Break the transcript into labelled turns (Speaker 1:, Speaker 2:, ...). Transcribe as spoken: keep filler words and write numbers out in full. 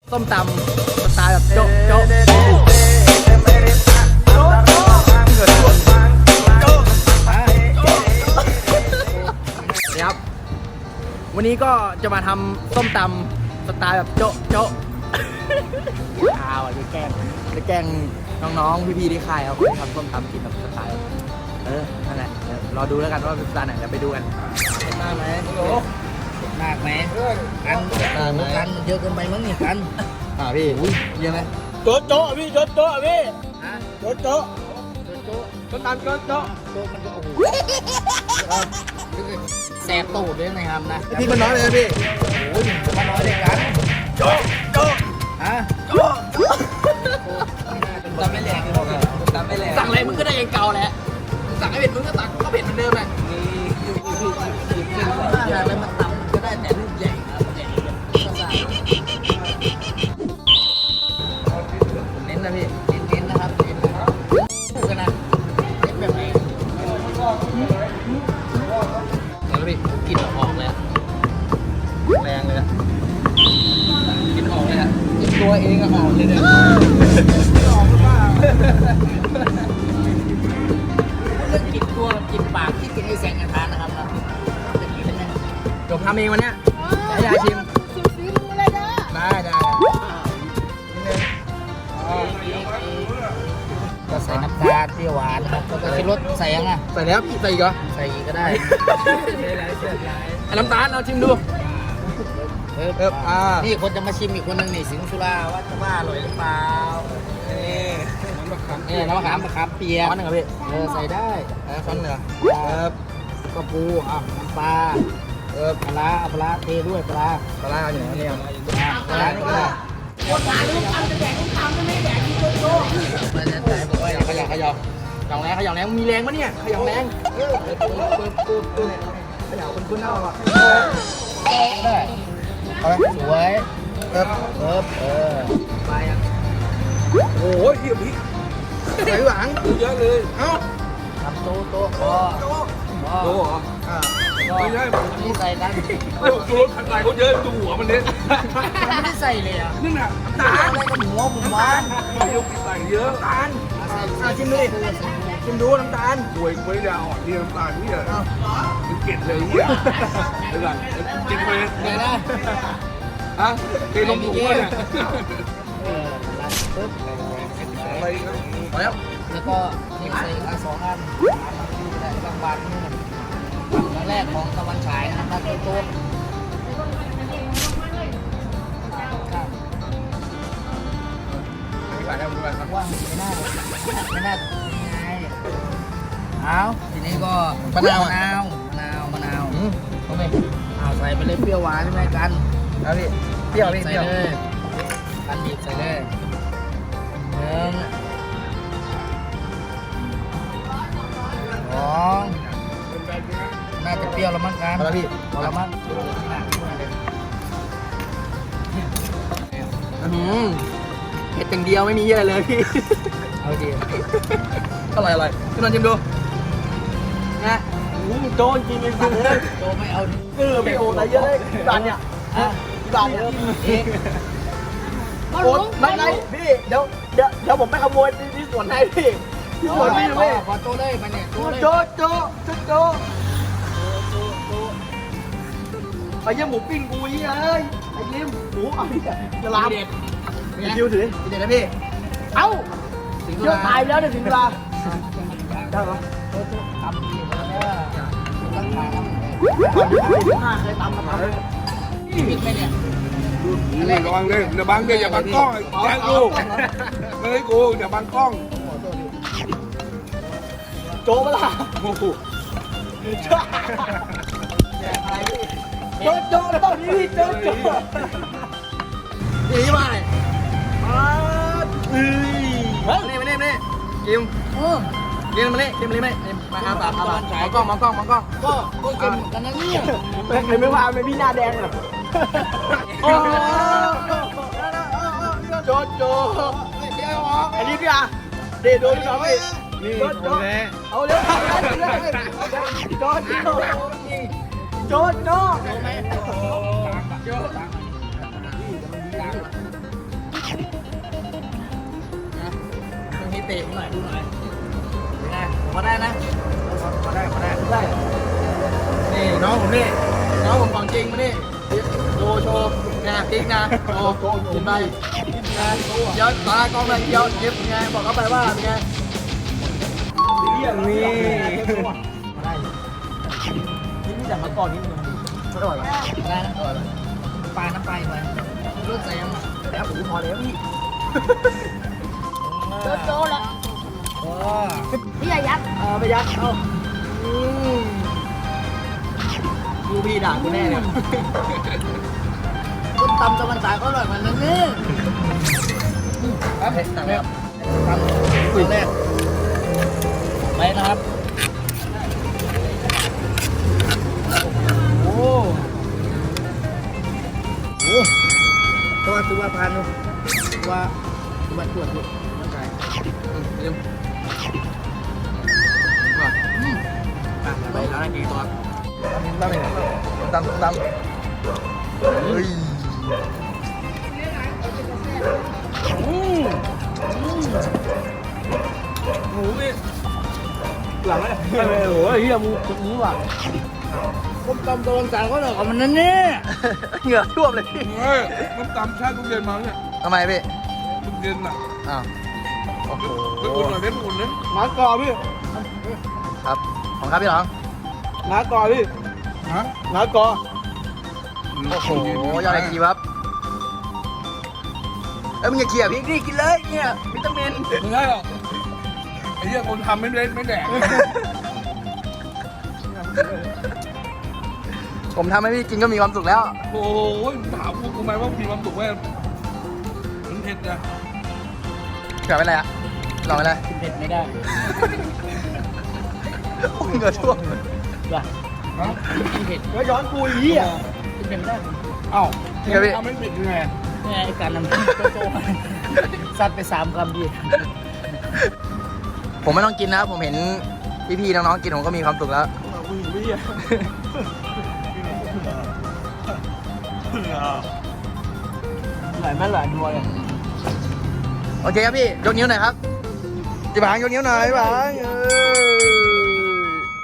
Speaker 1: ส้มตำสไตล์แบบโจ๊ะโจ๊ะครับวันนี้ก็จะมาทำส้มตำสไตล์แบบโจ๊ะโจ๊ะอ้าวจะแกล้งจะแกล้งน้องๆพี่ๆที่ค่ายเขาทำส้มตำกินแบบสไตล์เออนั่นแหละรอดูแล้วกันว่าเป็นสไตล์ไหนเดี๋ยวไปดูกันเห็นมากไหมโอ้
Speaker 2: มากไหมกันกันเยอะเกินไปมั้งนี่กัน
Speaker 1: อ่าพี่เยอะไหม
Speaker 2: โจ๊ะโจ๊ะพี่โจ๊ะโจ๊ะพี่ฮะโจ๊ะโจ๊ะโจ๊ะโจ๊ะ
Speaker 1: ส้มตำโจ๊ะโจ๊ะ
Speaker 2: โจ๊ะมันก็โอ้โหแสบตูดด้วยนะครับนะ
Speaker 1: พี่มันน้อยเลยนะพี่
Speaker 2: โอ้ยมันน้อยเลยกัน
Speaker 1: โจ๊ะโจ๊ะ
Speaker 2: ฮะ
Speaker 1: โจ๊ะ
Speaker 2: ตำไม่แรงตำไม่แรง
Speaker 1: สั่งอะไรมึงก็ได้เองเก่าแหละสั่งให้เผ็ดมึงก็ตักก็เผ็ดเหมือนเดิมแหละ
Speaker 2: นี่อะไรมันตำก็ได้แต่ลูกใหญ่ครับใหญ่
Speaker 1: เน้นนะพี่
Speaker 2: เน้นนะครับเน้นนะครับพูดกันนะเน้นแบบไหน
Speaker 1: แล้วพี่กินออกเลยแรงเลยกินออกเลยอะ
Speaker 2: ตัวเองก็ออกเลยเนี่ยออกหรือเปล่าเรื่องกินตัวกับกินปากที่กินไอ้แสงกระทานนะครับนะจะกินเป็นยัง
Speaker 1: จบทำเองวันเนี้ยให้ยายชิม
Speaker 3: ชิมซีดูเลยนะ
Speaker 1: ได้ได้นิดนึง
Speaker 2: ก็ใส่น้ำตาลเปรี้ยวหวานนะครับแล้วก็ชิมรสใส่ยังอ่ะ
Speaker 1: ใส่แล้วใส่อีกเหรอ
Speaker 2: ใส่อีกก็ได้
Speaker 1: ไอ้น้ำตาลเอาชิมดู
Speaker 2: เอออ่านี่คนจะมาชิมอีกคนนึงนี่สิงห์สุราว่าจะว่าอร่อยหรือเปล่านี่น้ำมะขามนี่น้ำมะขามมะขามเปียก
Speaker 1: ช้อนหนึ่งครับพี่
Speaker 2: เออใส่ได้
Speaker 1: ช้อนเหนือ
Speaker 2: ครับก็ปูอ่ะน้ำปลาเออปลาปลาเทด้วยปลา
Speaker 1: ปลาอยู่ไหนเนี่ย
Speaker 2: ปลานี่ก็ได้
Speaker 3: คนหาลูกทำจะแดกลูกทำไม่แดกที่โจ๊ะโจ๊ะ
Speaker 2: มันจะใส่บอกว่า
Speaker 1: ขยับขยับขยับแรงขยับแรงมีแรงปะเนี่ยขยับแรง
Speaker 2: เออปุ๊บปุ๊บปุ๊บปุ๊บ
Speaker 1: ขยับคุณคุณเอาอ่ะ
Speaker 2: ได้สวยเออเออเออไปอ่ะ
Speaker 1: โอ้ยพี่พี่ใส่หลัง
Speaker 2: เยอะเลย
Speaker 1: เอ้า
Speaker 2: ทำโต๊ะโต๊ะโต๊ะ
Speaker 1: โต๊ะโต๊ะเหรออ่า
Speaker 2: ไม่ใช่นี่ใส่กัน
Speaker 1: โอ้โหขันไหลเขาเยอะดูหัวมันเนี้ย
Speaker 2: ไม่ได้ใส่เลยอ่ะ
Speaker 1: นี่น่ะ
Speaker 2: ตาอะไรกับหัวผมวาน
Speaker 1: ยกใส่เยอะน้ำตาลชิมดิชิมดูน้ำตาลป่วยไม่ได้อ่อนที่น้ำตาลนี่เหรอมันเก็ดเลยเนี่ยเดี๋ยวก่อนกินไป
Speaker 2: เดี๋ยวนะ
Speaker 1: ฮะเทลงถุงเนี่ย
Speaker 2: เออปึ๊บ
Speaker 1: อะไรนะพอแล้ว
Speaker 2: แล้วก็นี่ใส่อันสองอันแต่บางบานนี่ครั้งแรกของตะวันฉายนะครับโต๊ะ
Speaker 1: ไม่ได้ไม่ได้ครับ
Speaker 2: ว่าไม่น่าไม่น่ายังไงเอาทีนี้ก็
Speaker 1: มะนาว
Speaker 2: มะนาวมะนาวมะนาวเอาไปเอาใส่ไปเลยเปรี้ยวหวานใช่ไหมกัน
Speaker 1: เอาพี่เปรี้ยวพี่
Speaker 2: ใส่เลยกันบีบใส่เลยหนึ่งสองน่าจะเปรี้ยวแล้วมั้งกัน
Speaker 1: เอาละพี่
Speaker 2: เอาละมั้ง
Speaker 1: อืมเผ็ดอย่างเดียวไม่มีอะไรเลยพี่
Speaker 2: เอาดี
Speaker 1: อร่อยอร่อยพี่นนท์ชิมดูนะโจนกินเลย
Speaker 2: โจไม่เอา
Speaker 1: เออไม่โอ้อะไรเยอะเลยจานเนี่ยจานเนี่ยโอ้ไม่ไม่พี่เดี๋ยวเดี๋ยวเดี๋ยวผมไปขโมยที่สวนให้พี่ที่สวนพี่เลย
Speaker 2: ขอโจเลยมาเนี่ย
Speaker 1: โจโจโจโจไอ้ยี่หมูปิ้งกูยี่เอ้ยไอ้ยิ้มหมูเอาดิจะลามคิวถือเด็ดนะพี่เอ้าเยอะตายแล้วเนี่ยถึงเวลาได้เหรอ
Speaker 2: โจโจทำดีแล้วตั้งมาแล้ว
Speaker 1: ห้าเคยตำมาทำ
Speaker 2: นี่มิดไหมเนี่ย
Speaker 4: นี่ระวังเลยอย่าบังเลยอย่าบังกล้องแจ้งกูไม่ให้กูอย่าบังกล้อง
Speaker 1: โจมาละ
Speaker 4: โอ้โห
Speaker 1: โจโจแล้วตอนนี้โจโจนี่มาเลยอ่าเฮ้ยมาเนี่ยมาเนี่ยมาเนี่ยกิมกิมมาเนี่ยกิมมาเนี่ยมาอาบอาบอาบมองกล้องมองกล้องมองกล้อง
Speaker 2: ก็ก็กินกันนะเนี่ย
Speaker 1: ไม่ไม่ว่าไม่พี่หน้าแดงหรอโอ้โจโจอันนี้พี่อ่ะเดี๋ยวดูพี่น้องพี่นี่โจโจเอาเร็วโจโจโจโจโจ
Speaker 2: เตะหน่อยดูหน่อยเป็นไงพอได้นะพอได้พอได้
Speaker 1: ได้นี่น้องผมนี่น้องผมของจริงมานี่โชว์โชว์นะติ๊กนะโชว์โชว์กินไปนะเดี๋ยวตากล้องเลยเดี๋ยวเย็บไงบอกเขาไปว่าเป็นไงนี่ได้นี่มีแต่มะกอกนิดนึงอร่อยไหม
Speaker 2: ได้นะปลาน้ำปลาไปเลือกใส่ยังไง
Speaker 1: แล้วผมพอแล้วพี่
Speaker 3: โจโจ้แล้ว
Speaker 2: โอ้
Speaker 3: พี่อย่ายัด
Speaker 1: เอาไปยัดเอาอืมดูพี่ด่ากูแน่เนี่ย
Speaker 2: ต้มตำตะวันตกก็อร่อยเหมือนกันนี่ครับสั่งแล้วทำคุยแรกไปนะครับ
Speaker 1: โอ้
Speaker 2: โอ้ตัวตัวพันตัวตัวตรวจดูร่างกายเร็ว
Speaker 1: อืมอ่ะไปร้านกี่ตัว
Speaker 2: ตั้งเลยตั้งตั้งเฮ้ย
Speaker 1: อืมหมูพี่หลังเลยโอ้ยเฮียมูหมูอ่ะ
Speaker 2: ต้มตำตะวันตกก็อร่อยกว่ามันนั่นนี่
Speaker 1: เหงื่อท่วมเลยพี่
Speaker 4: เฮ้ยน้ำตำชาติทุเรียนมาเนี่ย
Speaker 1: ทำไมพี่
Speaker 4: ทุเรียนน่ะ
Speaker 1: อ้าวโอ้โห
Speaker 4: ไปอุ่นหน่อยเพชรอุ่นนะ
Speaker 1: น้ากอพี่ครับของครับพี่หลองน้ากอพี่
Speaker 4: ฮะ
Speaker 1: น้ากอโอ้โหยอดไอจีครับเอ้ยมึงอย่าเขี่ยพริกดิกินเลยเนี่ยวิตามิน
Speaker 4: ไม่ได้หรอกไอ้เหี้ยคนทำไม่เล่นไม่แดก
Speaker 1: ผมทำให้พี่กินก็มีความสุขแล้ว
Speaker 4: โอ้ยถามพวกกูไหมว่ามีความสุขไหมมันเผ็ดนะ
Speaker 1: เผื่อไปอะไรอ่ะลองไปเลย
Speaker 2: เผ็ดไม่ได้
Speaker 1: เหงื่อท่วม
Speaker 2: ว่ะ
Speaker 4: ฮะ
Speaker 2: กินเผ็ด
Speaker 1: แล้วย้อนกูอีอ่ะ
Speaker 2: กินเผ็ดไม่ได้
Speaker 4: เอ้า
Speaker 1: จริงเหรอพี่
Speaker 4: ทำไม่เผ็ดยังไง
Speaker 2: เนี่ยไอ้การนำโจโจ้ซัดไปสามคำดี
Speaker 1: ผมไม่ต้องกินนะผมเห็นพี่ๆน้องๆกินผมก็มีความสุขแล้ว
Speaker 2: หลายแม่หลายดัวเลย
Speaker 1: โอเคครับพี่ ยกนิ้วหน่อยครับพี่บางยกนิ้วหน่อยพี่บางเออ